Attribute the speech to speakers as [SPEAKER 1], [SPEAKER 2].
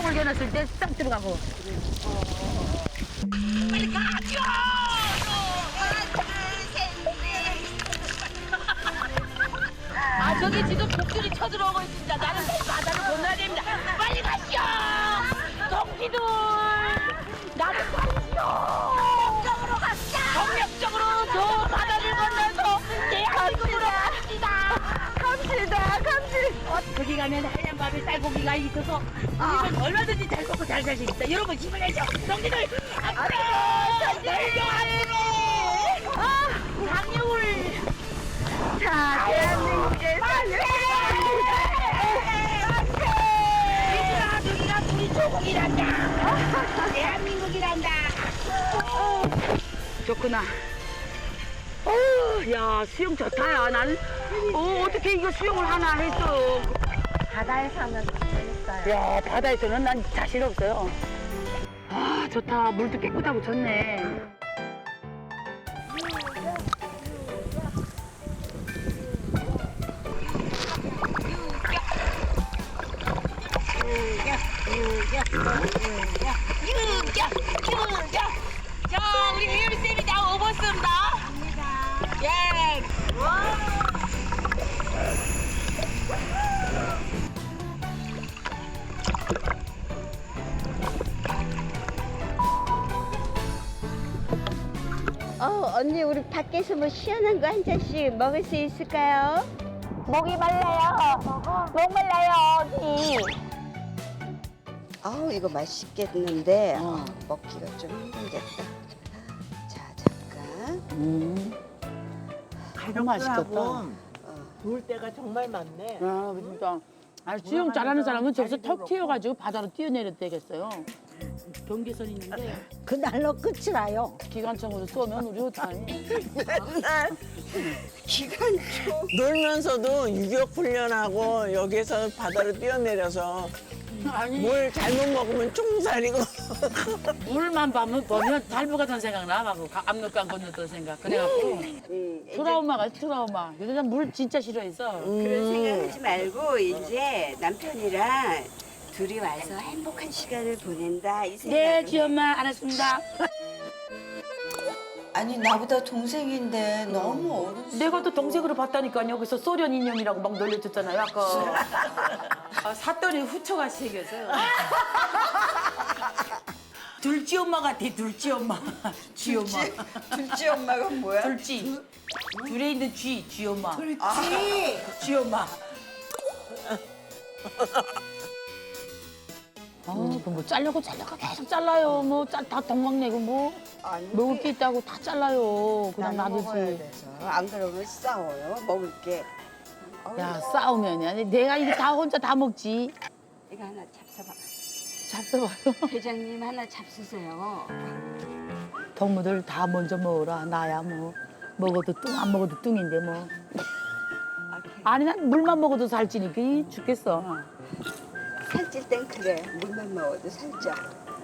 [SPEAKER 1] 뚜껑을 겨눴을 때 싹 들어가고.
[SPEAKER 2] 빨리 가죠! 아, 저기 지금 복들이 쳐들어오고 있습니다. 나는 바다를 건너야 됩니다. 빨리 가시오! 동지들! 나는 가시오! 정력적으로 가시오! 정력적으로 저 바다를 건너서 대한민국으로 갑시다!
[SPEAKER 1] 갑시다.
[SPEAKER 2] 거기 가면 하얀 밥에 쌀고기가 있어서 우리는 얼마든지 잘 먹고 잘 살 수 있다. 여러분 힘을 내죠. 동지들 앞으로 내려 앞으로 강력을
[SPEAKER 1] 자, 대한민국의
[SPEAKER 2] 얘들아 저기가 우리 조국이란다. 대한민국이란다.
[SPEAKER 1] 좋구나. 야, 수영 좋다, 야. 난, 어떻게 이거 수영을 하나 했어.
[SPEAKER 3] 바다에서 하면 재밌어요.
[SPEAKER 1] 야, 바다에서는 난 자신 없어요. 아, 좋다. 물도 깨끗하고 좋네.
[SPEAKER 2] 유격. 자 우리 혜율쌤이 다 오버습니다. 예.
[SPEAKER 3] 언니 우리 밖에서 뭐 시원한 거 한 잔씩 먹을 수 있을까요?
[SPEAKER 2] 목이 말라요. 목 말라요 언니.
[SPEAKER 3] 아우 이거 맛있겠는데 먹기가 좀 힘들겠다. 자 잠깐.
[SPEAKER 1] 너무 맛있겠다.
[SPEAKER 4] 좋을 때가 정말 많네.
[SPEAKER 1] 아, 그러니까. 아, 수영 잘하는 사람은 저기서 턱 튀어가지고 바다로 뛰어내려도 되겠어요. 경계선이 있는데
[SPEAKER 4] 그날로 끝이 나요.
[SPEAKER 1] 기관총으로 쏘면 우리 어떡하니?
[SPEAKER 3] 기관총.
[SPEAKER 4] 놀면서도 유격 훈련하고 여기서 바다로 뛰어내려서
[SPEAKER 1] 아니,
[SPEAKER 4] 뭘 잘못 먹으면 총살이고.
[SPEAKER 1] 물만 보면 달부가던 생각나. 막 압록강 건넜던 생각. 그래갖고 트라우마가 트라우마. 요새 물 진짜 싫어해서.
[SPEAKER 3] 그런 생각하지 말고 이제 남편이랑 둘이 와서 행복한 시간을 보낸다 이 생각.
[SPEAKER 1] 네, 지엄마 알았습니다.
[SPEAKER 3] 아니 나보다 동생인데 너무 어른.
[SPEAKER 1] 내가 또 동생으로 봤다니까요. 여기서 소련 인형이라고 막 놀려줬잖아요. 아까. 아, 샀더니 후처가 생겨서요. 둘째 엄마 같아, 둘째 엄마. 쥐 엄마.
[SPEAKER 3] 둘째 엄마가 뭐야?
[SPEAKER 1] 둘째. 둘에 있는 쥐 엄마.
[SPEAKER 3] 쥐.
[SPEAKER 1] 쥐 엄마. 뭐 잘려고 계속 잘라요. 뭐 다 동막내고 뭐
[SPEAKER 3] 아니,
[SPEAKER 1] 먹을 게 있다고 다 잘라요. 그냥
[SPEAKER 3] 나는 먹어야
[SPEAKER 1] 놔두지.
[SPEAKER 3] 돼서. 안 그러면 싸워요. 먹을 게.
[SPEAKER 1] 야, 싸우면이 아니 내가 이거 다 혼자 다 먹지.
[SPEAKER 3] 이거 하나 잡숴봐.
[SPEAKER 1] 잡숴봐요.
[SPEAKER 3] 회장님 하나 잡수세요.
[SPEAKER 1] 동무들 다 먼저 먹어라. 나야 뭐 먹어도 뚱 안 먹어도 뚱인데 뭐. 아니 난 물만 먹어도 살찌니까 죽겠어.
[SPEAKER 3] 살찔 땐 그래. 물만 먹어도 살쪄.